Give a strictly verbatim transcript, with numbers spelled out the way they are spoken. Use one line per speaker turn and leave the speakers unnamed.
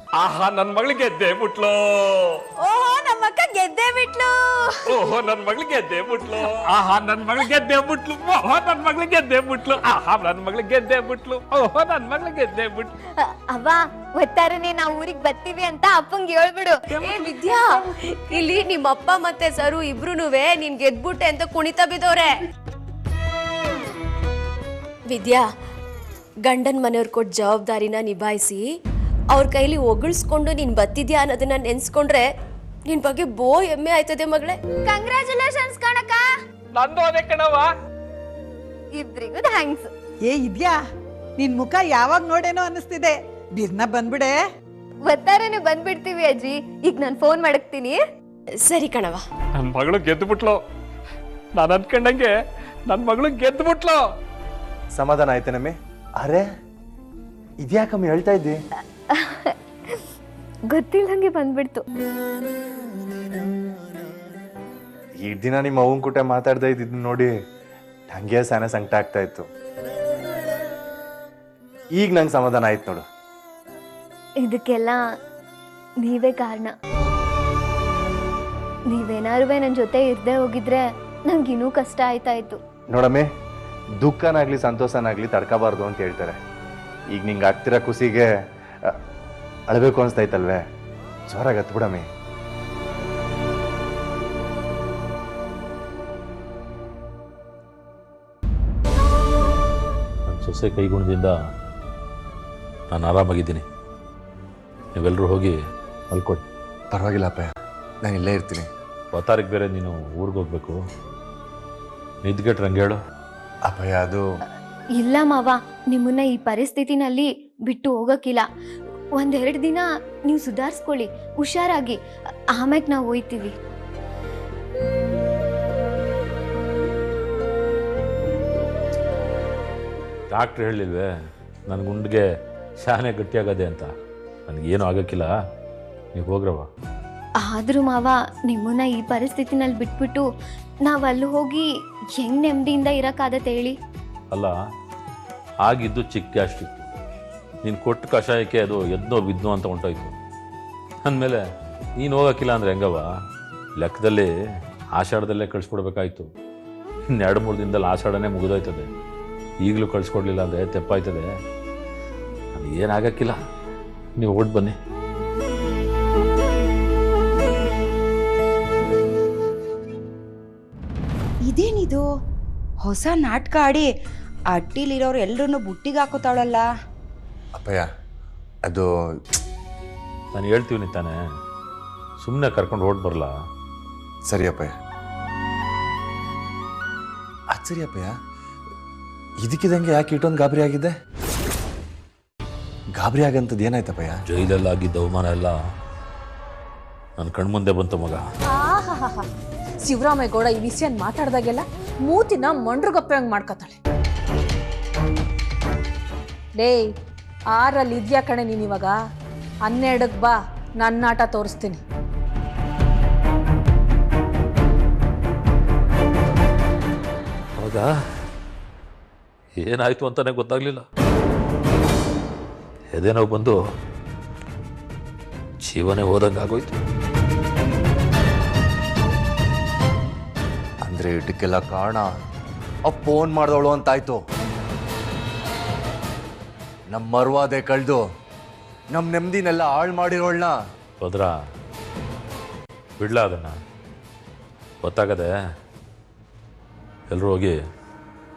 ಆಹಾ ನನ್ ಮಗಳು ಗೆದ್ದೆ ಬಿಟ್ಲು.
ಓಹೋ ನಮ್ಮಕ್ಕ ಗೆದ್ದೆ ಬಿಟ್ಲು.
ಓಹೋ ನನ್ ಮಗಳು ಗೆದ್ದೆ ಬಿಟ್ಲು. ಆಹಾ ನನ್ ಮಗಳು ಗೆದ್ದೆ ಬಿಟ್ಲು. ಓಹೋ ನನ್ ಮಗಳು ಗೆದ್ದೆ ಬಿಟ್ಲು. ಆಹಾ ನನ್ ಮಗಳು ಗೆದ್ದೆ ಬಿಟ್ಲು. ಓಹೋ ನನ್ ಮಗಳು ಗೆದ್ದೆ ಬಿಟ್ಲು.
ಅವ್ವ ಒತ್ತಾರನೆ ನಾವ್ ಊರಿಗೆ ಬರ್ತೀವಿ ಅಂತ ಅಪ್ಪಂಗೆ ಹೇಳ್ಬಿಡು.
ಏ ವಿದ್ಯಾ, ಇಲ್ಲಿ ನಿಮ್ಮಪ್ಪ ಮತ್ತೆ ಸರು ಇಬ್ರುನುವೆ ನೀನ್ ಗೆದ್ಬಿಟ್ಟೆ ಅಂತ ಕುಣಿತ ಬಿದ್ದವ್ರೆ. ವಿದ್ಯಾ, ಗಂಡನ್ ಮನೆಯವ್ರು ಕೊಟ್ಟ ಜವಾಬ್ದಾರಿನ ನಿಭಾಯಿಸಿ ಅವ್ರ ಕೈಲಿ ಒಗಳಿಸ್ಕೊಂಡು ನೀನ್ ಬತ್ತಿದ್ಯಾ ಅನ್ನೋದನ್ನ ನೆನ್ಸ್ಕೊಂಡ್ರೆ ನಿನ್ ಬಗ್ಗೆ ಬೋ ಹೆಮ್ಮೆ ಆಯ್ತದೆ ಮಗಳೇ.
ಕಂಗ್ರಾಚುಲೇಷನ್ಸ್ ಕಣಕ.
ನಂದು ಅದೇ ಕಣವ.
ಇಬ್ರಿಗೂ ಥ್ಯಾಂಕ್ಸ್.
ಏ ಇದ್ಯಾ, ನಿನ್ ಮುಖ ಯಾವಾಗ ನೋಡೇನೋ ಅನಿಸ್ತಿದೆ. ಬಿರ್ನ ಬಂದ್ಬಿಡೆ.
ಒತ್ತಾರನೆ ಬಂದ್ಬಿಡ್ತೀವಿ ಅಜ್ಜಿ. ಈಗ ನಾನು ಫೋನ್ ಮಾಡಕ್ತೀನಿ.
ಸರಿ ಕಣವ.
ನನ್ ಮಗಳು ಗೆದ್ದು ಬಿಟ್ಲು. ನಾನು ಅನ್ಕೊಂಡಂಗೆ ನನ್ ಮಗಳು ಗೆದ್ದು ಬಿಟ್ಲು.
ಸಮಾಧಾನ ಆಯ್ತೇನಮ್ಮಿ? ಅರೆ ಇದ್ಯಾಕಮ್ಮಿ ಹೇಳ್ತಾ ಇದ್ದಿ?
ಗೊತ್ತಿಲ್ಲಂಗೆ ಬಂದ್ಬಿಡ್ತು.
ಈ ದಿನ ನಿಮ್ಮ ಅವ್ವನ ಕೂಟ ಮಾತಾಡ್ತಾ ಇದ್ದಿದ್ದು ನೋಡಿ ನಂಗೆ ಸಣ್ಣ ಸಂಕಟ ಆಗ್ತಾ ಇತ್ತು. ಈಗ ನಂಗೆ ಸಮಾಧಾನ ಆಯ್ತು ನೋಡು.
ಇದಕ್ಕೆಲ್ಲ ನೀವೇ ಕಾರಣ. ನೀವೇನಾರು ನನ್ನ ಜೊತೆ ಇರ್ದೇ ಹೋಗಿದ್ರೆ ನಂಗೆ ಇನ್ನೂ ಕಷ್ಟ ಆಯ್ತಾ ಇತ್ತು.
ನೋಡಮ್ಮಿ, ದುಃಖನಾಗ್ಲಿ ಸಂತೋಷನಾಗ್ಲಿ ತಡ್ಕೋಬಾರ್ದು ಅಂತ ಹೇಳ್ತಾರೆ. ಈಗ ನಿಂಗೆ ಆಗ್ತಿರೋ ಖುಷಿಗೆ ಅಳಬೇಕು ಅನಿಸ್ತೈತಲ್ವೇ? ಜೋರಾಗಿ ಹತ್ತು ಬಿಡಮ್ಮಿ.
ನನ್ನ ಸೊಸೆ ಕೈಗುಣದಿಂದ ನಾನು ಆರಾಮಾಗಿದ್ದೀನಿ. ನೀವೆಲ್ಲರೂ ಹೋಗಿ ಮಲ್ಕೊಡಿ.
ಪರವಾಗಿಲ್ಲ ಅಪ್ಪಯ್ಯ, ನಾನು ಇಲ್ಲೇ ಇರ್ತೀನಿ.
ಅವತಾರಿಗೆ ಬೇರೆ ನೀನು ಊರಿಗೆ ಹೋಗ್ಬೇಕು. ನಿದ್ಗೆಟ್ರೆ ಹಂಗೆ ಹೇಳು.
ಅಪ್ಪಯ್ಯ ಅದು
ಇಲ್ಲ ಮಾವ, ನಿಮ್ಮನ್ನ ಈ ಪರಿಸ್ಥಿತಿನಲ್ಲಿ ಬಿಟ್ಟು ಹೋಗಕ್ಕಿಲ್ಲ. ಒಂದೆರಡು ದಿನ ನೀವು ಸುಧಾರಿಸ್ಕೊಳ್ಳಿ, ಹುಷಾರಾಗಿ. ಆಮ್ಯಾಗ ನಾವು ಹೋಯ್ತೀವಿ.
ಡಾಕ್ಟ್ರ್ ಹೇಳಿಲ್ವೇ ನನ್ನ ಗುಂಡಿಗೆ ಶಾನೆ ಗಟ್ಟಿಯಾಗದೆ ಅಂತ? ನನಗೇನು ಆಗೋಕ್ಕಿಲ್ಲ, ನೀವು ಹೋಗ್ರವ.
ಆದ್ರೂ ಮಾವ, ನಿಮ್ಮನ್ನ ಈ ಪರಿಸ್ಥಿತಿನಲ್ಲಿ ಬಿಟ್ಬಿಟ್ಟು ನಾವು ಅಲ್ಲಿ ಹೋಗಿ ಹೆಂಗ್ ನೆಮ್ಮದಿಯಿಂದ ಇರಕ್ಕಾಗತ್ತೆ ಹೇಳಿ?
ಅಲ್ಲ, ಆಗಿದ್ದು ಚಿಕ್ಕ ಗ್ಯಾಸ್ಟ್ರಿಕ್ಕು. ನೀನು ಕೊಟ್ಟು ಕಷಾಯಕ್ಕೆ ಅದು ಎದ್ನೋ ಬಿದ್ನೋ ಅಂತ ಹೊಂಟೋಯ್ತು. ಅಂದಮೇಲೆ ನೀನು ಹೋಗೋಕ್ಕಿಲ್ಲ ಅಂದರೆ ಹೆಂಗವ? ಲೆಕ್ಕದಲ್ಲಿ ಆಷಾಢದಲ್ಲೇ ಕಳಿಸ್ಕೊಡ್ಬೇಕಾಯ್ತು. ಇನ್ನು ಎರಡು ಮೂರು ದಿನದಲ್ಲಿ ಆಷಾಢನೇ ಮುಗಿದೋಯ್ತದೆ. ಈಗಲೂ ಕಳಿಸ್ಕೊಡ್ಲಿಲ್ಲ ಅಂದರೆ ತೆಪ್ಪಾಯ್ತದೆ. ಅದು ಏನಾಗಕ್ಕಿಲ್ಲ, ನೀವು ಓಟ್ ಬನ್ನಿ.
ಇದೇನಿದು ಹೊಸ ನಾಟಕ ಆಡಿ ಅಟ್ಟಿಲಿರೋರು ಎಲ್ಲರನ್ನು ಬುಟ್ಟಿಗೆ ಹಾಕೋತಾಳಲ್ಲ?
ಅಪ್ಪಯ್ಯ ಅದು
ನಾನು ಹೇಳ್ತೀವಿ ತಾನೆ, ಸುಮ್ಮನೆ ಕರ್ಕೊಂಡು ಓಟ್ ಬರಲ್ಲ.
ಸರಿ ಅಪ್ಪಯ್ಯ. ಅದು ಸರಿ ಅಪ್ಪಯ್ಯ, ಇದಕ್ಕಿದಂಗೆ ಯಾಕೆ ಇಟ್ಟೊಂದು ಗಾಬರಿ ಆಗಿದ್ದೆ? ಗಾಬರಿ ಆಗಂತದ್ದು ಏನಾಯ್ತಪ್ಪಯ್ಯ?
ಜೈಲಲ್ಲಾಗಿದ್ದ ಅವಮಾನ ಎಲ್ಲ ನನ್ನ ಕಣ್ಮುಂದೆ ಬಂತು ಮಗ.
ಶಿವರಾಮೇಗೌಡ ಈ ವಿಷಯ ಮಾತಾಡ್ದಾಗೆಲ್ಲ ಮೂತಿನ ಮಂಡ್ರಗಪ್ಪೆ ಹಂಗ್ ಮಾಡ್ಕೊತಾಳೆ. ಲೇ, ಆರಲ್ಲಿ ಇದ್ಯಾ ಕಣೆ ನೀನ್ ಇವಾಗ? ಹನ್ನೆರಡಕ್ ಬಾ, ನನ್ನ ಆಟ ತೋರಿಸ್ತೀನಿ.
ಹೌದಾ? ಏನಾಯ್ತು ಅಂತಾನೆ ಗೊತ್ತಾಗ್ಲಿಲ್ಲ. ಎದೇನೋ ಬಂದು ಜೀವನೇ ಹೋದಂಗೆ ಆಗೋಯ್ತು.
ಅಂದ್ರೆ ಇದಕ್ಕೆಲ್ಲ ಕಾರಣ ಆ ಫೋನ್ ಮಾಡ್ದವಳು ಅಂತಾಯ್ತು. ನಮ್ಮ ಮರ್ವಾದೆ ಕಳ್ದು ನಮ್ಮ ನೆಮ್ಮದಿನೆಲ್ಲ ಹಾಳು ಮಾಡಿರೋಳ್ನ.
ಹೋದ್ರ ಬಿಡ್ಲ ಅದನ್ನ? ಗೊತ್ತಾಗದೆ ಎಲ್ಲರೂ ಹೋಗಿ